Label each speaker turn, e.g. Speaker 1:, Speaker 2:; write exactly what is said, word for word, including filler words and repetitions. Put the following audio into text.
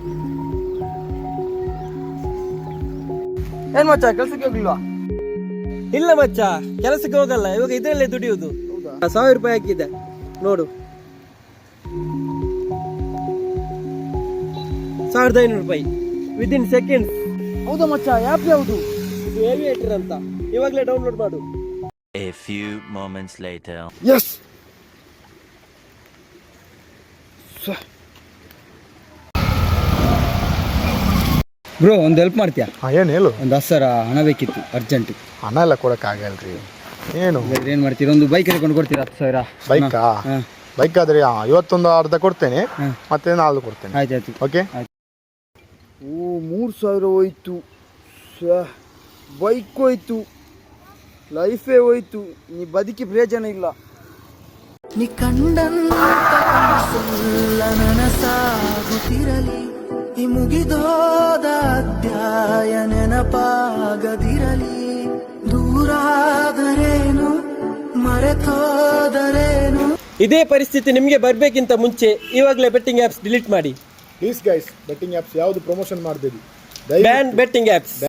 Speaker 1: ಏನ್ ಮಚ್ಚ ಕೆಲ್ಸಕ್ಕೆ ಹೋಗ್ಲಿಲ್ವಾ?
Speaker 2: ಇಲ್ಲ ಮಚ್ಚ, ಕೆಲಸಕ್ಕೆ ಹೋಗಲ್ಲ, ಇವಾಗ ಇದರಲ್ಲೇ ದುಡಿಯುವುದು. ಸಾವಿರ ರೂಪಾಯಿ ಹಾಕಿದ್ದೆ ನೋಡು, ಸಾವಿರದ ಐನೂರು ರೂಪಾಯಿ ವಿದಿನ್ ಸೆಕೆಂಡ್ಸ್.
Speaker 1: ಹೌದಾ ಮಚ್ಚ? ಆ್ಯಪ್ ಯಾವುದು?
Speaker 2: ಇದು ಏವಿಯೇಟರ್ ಅಂತ, ಇವಾಗಲೇ ಡೌನ್ಲೋಡ್ ಮಾಡು.
Speaker 3: A few moments later.
Speaker 1: Yes
Speaker 4: bro, ಒಂದು ಹೆಲ್ಪ್ ಮಾಡ್ತೀಯಾ?
Speaker 5: ಹಾಂ, ಏನು ಹೇಳು.
Speaker 4: ಒಂದು ಹತ್ತು ಸಾವಿರ ಹಣ ಬೇಕಿತ್ತು, ಅರ್ಜೆಂಟ್.
Speaker 5: ಹಣ ಎಲ್ಲ ಕೊಡೋಕ್ಕಾಗಲ್ರಿ. ಏನು
Speaker 4: ಏನು ಮಾಡ್ತೀರಾ? ಒಂದು ಬೈಕ್ ಹಿಡ್ಕೊಂಡು ಕೊಡ್ತೀರಾ ಹತ್ತು ಸಾವಿರ?
Speaker 5: ಬೈಕಾ? ಬೈಕ್ ಆದರೆ ಇವತ್ತೊಂದು ಅರ್ಧ ಕೊಡ್ತೇನೆ, ಮತ್ತೆ ನಾಳೆ ಕೊಡ್ತೇನೆ.
Speaker 4: ಆಯ್ತು ಆಯ್ತು
Speaker 5: ಓಕೆ.
Speaker 1: ಓ, ಮೂರು ಸಾವಿರ ಹೋಯ್ತು. ಬೈಕ್ ಹೋಯ್ತು, ಲೈಫೇ ಹೋಯ್ತು. ನೀ ಬದುಕಿ ಪ್ರಯೋಜನ ಇಲ್ಲ.
Speaker 6: ನಿ ಕಂಡಂತ ಕನಸೆಲ್ಲ ನನಸಾಗುತ್ತಿರಲಿ, ಈ ಮುಗಿದೋದ ಅಧ್ಯಾಯ ನೆನಪಾಗದಿರಲಿ. ದೂರಾದರೇನು ಮರೆತೋದರೇನು.
Speaker 2: ಇದೇ ಪರಿಸ್ಥಿತಿ ನಿಮಗೆ ಬರ್ಬೇಕಿಂತ ಮುಂಚೆ ಇವಾಗಲೇ ಬೆಟ್ಟಿಂಗ್ ಆ್ಯಪ್ಸ್ ಡಿಲೀಟ್ ಮಾಡಿ.
Speaker 5: ಪ್ಲೀಸ್ ಗೈಸ್, ಬೆಟ್ಟಿಂಗ್ ಆ್ಯಪ್ಸ್ ಯಾವುದು ಪ್ರಮೋಷನ್ ಮಾಡಬೇಡಿ.
Speaker 2: Ban betting apps.